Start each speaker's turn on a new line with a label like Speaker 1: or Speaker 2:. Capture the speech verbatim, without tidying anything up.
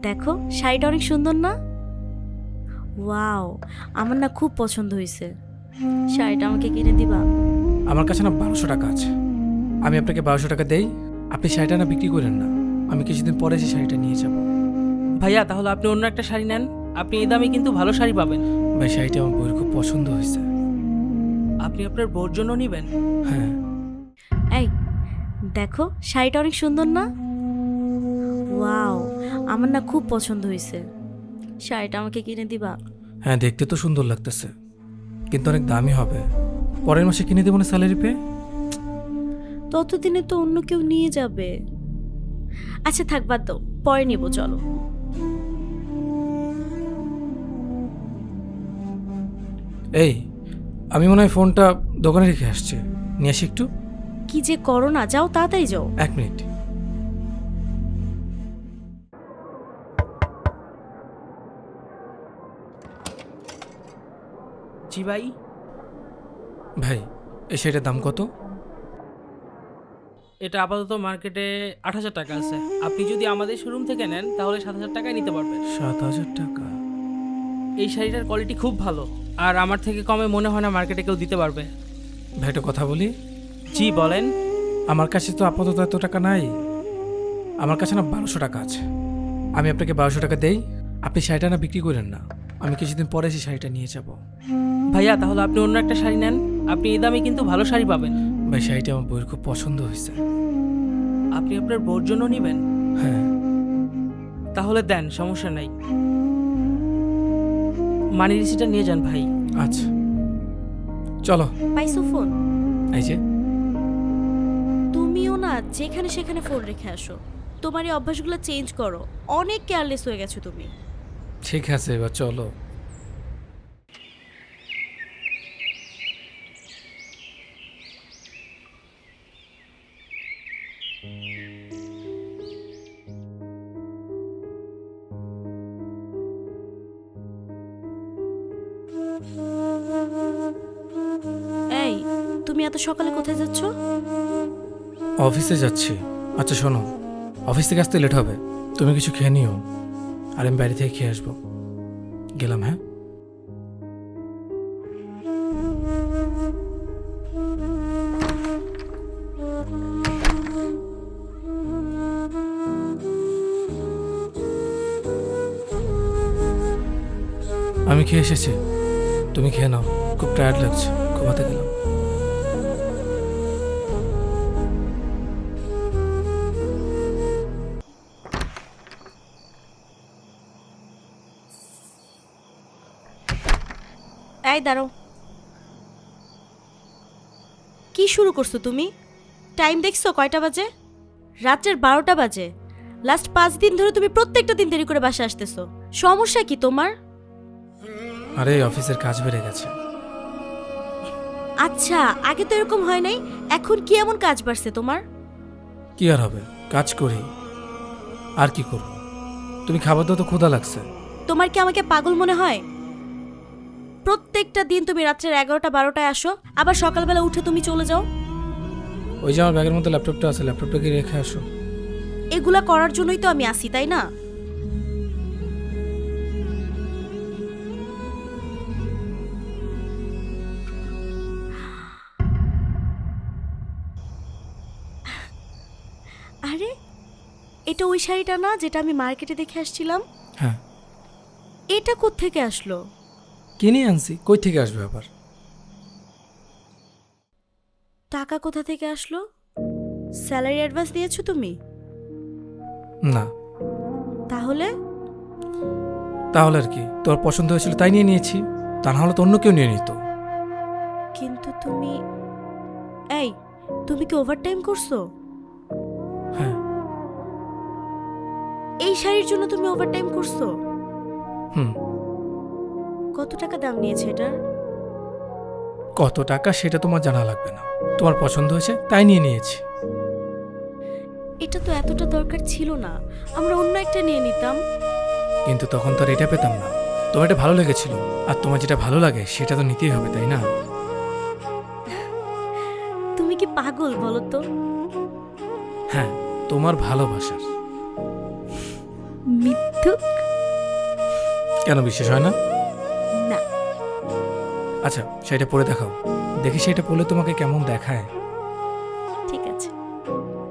Speaker 1: দেখো শাড়িটা অনেক সুন্দর না? ওয়াও, আমার না খুব পছন্দ হয়েছে। শাড়িটা আমাকে কিনে দিবা?
Speaker 2: আমার কাছে না বারোশো টাকা আছে, আমি আপনাকে বারোশো টাকা দেই, আপনি শাড়িটা না বিক্রি করেন না, আমি কিছুদিন পরে সেই শাড়িটা নিয়ে যাব।
Speaker 3: ভাইয়া তাহলে আপনি অন্য একটা শাড়ি নেন, আপনি এই দামে কিন্তু ভালো শাড়ি পাবেন।
Speaker 2: ভাই শাড়িটা আমার বউয়ের খুব পছন্দ হয়েছে।
Speaker 3: আপনি আপনার বউর জন্য নেবেন?
Speaker 2: হ্যাঁ।
Speaker 1: এই দেখো শাড়িটা অনেক সুন্দর না? ওয়াও, আমার না খুব পছন্দ হয়েছে। শাড়িটা আমাকে কিনে দিবা?
Speaker 2: হ্যাঁ, দেখতে তো সুন্দর লাগতেছে, কিন্তু অনেক দামি হবে। পরের মাসে কিনে দেবো না স্যালারি পেয়ে।
Speaker 1: ততদিনে তো অন্য কেউ নিয়ে যাবে। আচ্ছা থাক, বাদ দাও, পরে নিব, চলো।
Speaker 2: এই, আমি মনে হয় ফোনটা দোকানে রেখে আসছি, নিয়ে আসি একটু।
Speaker 1: কি যে করো না, যাও তাড়াতাড়ি যাও।
Speaker 2: এক মিনিট।
Speaker 3: জি ভাই।
Speaker 2: ভাই এই শাড়িটার দাম কত?
Speaker 3: এটা আপাতত মার্কেটে আট হাজার টাকা আছে, আপনি যদি আমাদের শোরুম থেকে নেন তাহলে সাত হাজার টাকায় নিতে পারবেন।
Speaker 2: সাত হাজার টাকা?
Speaker 3: এই শাড়িটার কোয়ালিটি খুব ভালো, আর আমার থেকে কমে মনে হয় না মার্কেটে কেউ দিতে পারবে।
Speaker 2: ভাই একটা কথা বলি।
Speaker 3: জি বলেন।
Speaker 2: আমার কাছে তো আপাতত এত টাকা নাই, আমার কাছে না বারোশো টাকা আছে, আমি আপনাকে বারোশো টাকা দেই, আপনি শাড়িটা না বিক্রি করেন না, আমি কিছুদিন পরে সেই শাড়িটা নিয়ে যাব।
Speaker 3: ভাইয়া তাহলে আপনি অন্য একটা শাড়ি নেন, আপনি এই দামে কিন্তু ভালো শাড়ি পাবেন।
Speaker 2: ভাই শাড়িটা আমার বউয়ের খুব পছন্দ হয়েছে।
Speaker 3: আপনি আপনার বউর জন্য নেবেন?
Speaker 2: হ্যাঁ।
Speaker 3: তাহলে দেন, সমস্যা নাই। মানি রিসিটটা নিয়ে যান ভাই।
Speaker 2: আচ্ছা চলো।
Speaker 1: পাইছো ফোন?
Speaker 2: এই যে।
Speaker 1: তুমিও না যেখানে সেখানে ফোন রেখে আসো, তোমার এই অভ্যাসগুলো চেঞ্জ করো, অনেক কেয়ারলেস হয়ে গেছো তুমি।
Speaker 2: ঠিক আছে এবার চলো।
Speaker 1: এই, তুমি এত সকালে কোথায় যাচ্ছ?
Speaker 2: অফিসে যাচ্ছি। আচ্ছা শোনো, অফিস থেকে আসতে লেট হবে, তুমি কিছু খেয়ে নিও, আর আমি বাড়ি থেকে খেয়ে আসবো। গেলাম। হ্যাঁ। আমি খেয়ে এসেছি, তুমি খেয়ে নাও, খুব টায়ার্ড লাগছে, ঘুমাতে গেলাম।
Speaker 1: এই দাঁড়াও, কি শুরু করছো তুমি? টাইম দেখছো কয়টা বাজে? রাত্রের বারোটা বাজে। লাস্ট পাঁচ দিন ধরে তুমি প্রত্যেকটা দিন দেরি করে বাসা আসতেছো, সমস্যা কি তোমার?
Speaker 2: আরে অফিসের কাজ বেড়ে গেছে।
Speaker 1: আচ্ছা, আগে তো এরকম হয় নাই, এখন কি এমন কাজ বাড়ছে তোমার?
Speaker 2: কি আর হবে, কাজ করি, আর কি করব। তুমি খাবার দাও তো, ক্ষুধা লাগছে।
Speaker 1: তোমার কি আমাকে পাগল মনে হয়? প্রত্যেকটা দিন তুমি রাত্রের এগারোটা বারোটায় আসো, আবার সকালবেলা উঠে তুমি চলে যাও।
Speaker 2: ওই যে আমার ব্যাগের মধ্যে ল্যাপটপটা আছে, ল্যাপটপটা কি রেখে আসো।
Speaker 1: এগুলা করার জন্যই তো আমি আসি, তাই না? আরে এটা ওই শাড়িটা না যেটা আমি মার্কেটে দেখে আসছিলাম?
Speaker 2: হ্যাঁ।
Speaker 1: এটা কোত্থেকে আসলো?
Speaker 2: কিনে আনছি, কই থেকে আসবে আবার?
Speaker 1: টাকা কোথা থেকে আসলো? স্যালারি অ্যাডভান্স দিয়েছো তুমি?
Speaker 2: না।
Speaker 1: তাহলে?
Speaker 2: তাহলে আর কি, তোর পছন্দ হয়েছিল তাই নিয়ে নিয়েছি, তা না হলে তো অন্য কেউ নিয়ে নিত।
Speaker 1: কিন্তু তুমি, এই তুমি কি ওভারটাইম করছো?
Speaker 2: হ্যাঁ।
Speaker 1: এই শাড়ির জন্য তুমি ওভারটাইম করছো?
Speaker 2: হুম।
Speaker 1: কত টাকা দাম নিয়েছে এটার?
Speaker 2: কত টাকা সেটা তোমার জানা লাগবে না, তোমার পছন্দ হয়েছে তাই নিয়ে নিয়েছি।
Speaker 1: এটা তো এতটা দরকার ছিল না, আমরা অন্য একটা নিয়ে নিতাম।
Speaker 2: কিন্তু তখন তো আর এটা পেতাম না, তোমার এটা ভালো লেগেছিল, আর তোমার যেটা ভালো লাগে সেটা তো নিতেই হবে, তাই না?
Speaker 1: তুমি কি পাগল বলো তো?
Speaker 2: হ্যাঁ, তোমার ভালোবাসার।
Speaker 1: মিথ্যা ধুক।
Speaker 2: কেন বিশ্বাস হয় না?
Speaker 1: না।
Speaker 2: আচ্ছা শাড়িটা পরে দেখাও, দেখি শাড়িটা পরলে তোমাকে কেমন দেখায়।
Speaker 1: ঠিক আছে।